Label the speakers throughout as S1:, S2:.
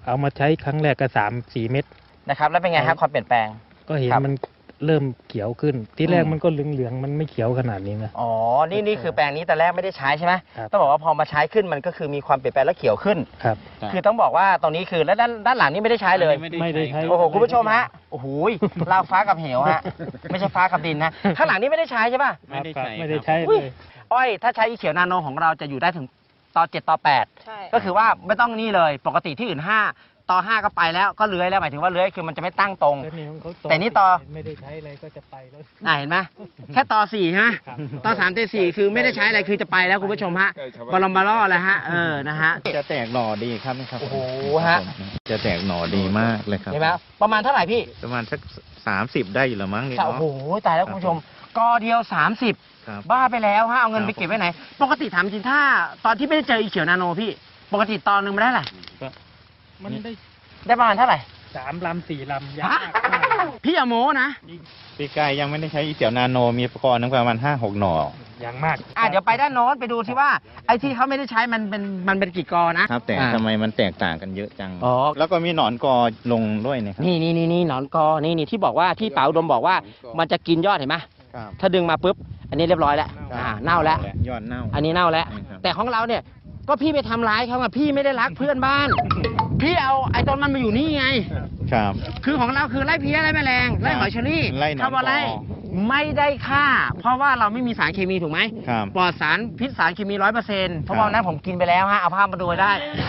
S1: เอามาใช้ครั้งแรกก็3-4 เม็ด
S2: นะครับแล้วเป็นไงครับความเปลี่ยนแปลง
S1: ก็เห็นมันเริ่มเขียวขึ้นที่แรกมันก็เหลืองๆมันไม่เขียวขนาดนี้นะ
S2: อ๋อนี่คือแปลงนี้แต่แรกไม่ได้ใช้ใช่ไหม
S1: ครับ
S2: ต้องบอกว่าพอมาใช้ขึ้นมันก็คือมีความเปลี่ยนแปลงและเขียวขึ้น
S1: ครับ
S2: คือต้องบอกว่าตรงนี้คือแล้วด้านหลังนี่ไม่ได้ใช้เลย
S1: ไม่ได้ใช้
S2: โอ้โหคุณผู้ชมฮะโอ้โหราวฟ้ากับเหวฮะไม่ใช่ฟ้ากับดินนะข้างหลังนี่ไม่ได้ใช้ใช่ป่ะ
S1: ไม่ได้ใช้เล
S2: อุ้ย
S1: ย
S2: อ้อยถ้าใช้อีเขียวนาโนของเราจะอยู่ได้ถึงต่อ7ต่อ8
S3: ใช่
S2: ก็คือว่าไม่ต้องนี่เลยปกติที่อื่น5ต่อ5ก็ไปแล้วก็เลื้อยแล้วหมายถึงว่าเลื้อยคือมันจะไม่ตั้งตรง แต่นี่ต่อ
S1: ไม่ได้ใช้อะไรก็จะไปแล้ว
S2: เห็นไหมแค่ต่อ4ใช่ไหม
S1: ครับ
S2: ต่อ3ต่อ4คือไม่ได้ใช้อะไรคือจะไปแล้วคุณผู้ชมฮะบอลมบาล่อแล้วฮะนะฮะ
S4: จะแตกหน่อดีครับครับ
S2: โอ้โหฮะ
S4: จะแตกหน่อดีมากเลยครับ
S2: เห็นไหมประมาณเท่าไหร่พี่
S4: ประมาณสัก30ได้อยู่แล้วมั้งนี่
S2: โอ้
S4: เนาะ
S2: โหตายแล้วคุณผู้ชมกอเดียว30
S4: ครับ
S2: บ้าไปแล้วฮะเอาเงิน
S4: ครับ
S2: ไปเก็บไว้ไหน ปกติถามจริงถ้าตอนที่ไม่ได้เจออีเขียวนาโนพี่ปกติตอนหนึ่งมาได้เท่าไหร่
S1: มันได้
S2: ได้ประมาณเท่าไหร่
S1: 3 ลำ 4 ลำยาก
S2: ฮะ
S1: มาก
S2: พี่อย่าโม้นะ
S4: ปีกายยังไม่ได้ใช้อีเสี่ยวนาโนมีประกอบนึงประมาณ5-6 หน่อ
S1: อย่างมาก
S2: เดี๋ยวไปด้านโน้นไปดูที่ว่าไอ้ที่เขาไม่ได้ใช้มันเป็นกี่กอนะครับ
S4: แต่ทำไมมันแตกต่างกันเยอะจัง
S2: อ๋อ
S4: แล้วก็มีหนอนกอลงด้วยนะครับ
S2: นี่หนอนกอนี่ที่บอกว่าที่เป๋าอุดมบอกว่ามันจะกินยอดเห็นไหม
S4: ครับ
S2: ถ้าดึงมาปุ๊บอันนี้เรียบร้อยแล้วเน่าแล้ว
S4: ยอดเน่า
S2: อันนี้เน่าแล้ว
S4: ใช่ครับ
S2: แต่ของเราเนี่ยก็พี่ไปทำร้ายเขาอะพี่ไม่ได้รักเพื่อนบ้าน พี่เอาไอ้ต้นมันมาอยู่นี่ไง
S4: ครับ
S2: คือของเราคือไล่เพี้ยไล่แมลงไล่หอยเชอรี่
S4: ไล่หนอน
S2: ทำอะไร
S4: กอ
S2: ไม่ได้ฆ่า เพราะว่าเราไม่มีสารเคมีถูกไหม
S4: ครับ
S2: ปลอดสารพิษสารเคมี100%เพราะว่าวันนั้นผมกินไปแล้วฮะเอาภาพมาดูไว้ได้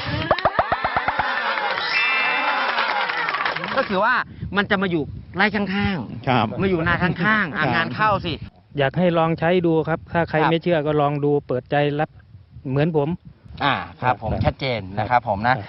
S2: ก็คือว่ามันจะมาอยู่ไร่ข้าง
S4: ครับ
S2: ๆมาอยู่นาข้างๆ
S4: ครับ
S2: งานเข้าสิ
S1: อยากให้ลองใช้ดูครับ ถ้าใคร
S2: ครับ
S1: ไม่เชื่อก็ลองดูเปิดใจรับเหมือนผม
S2: ครับผมชัดเจนนะครับผมนะ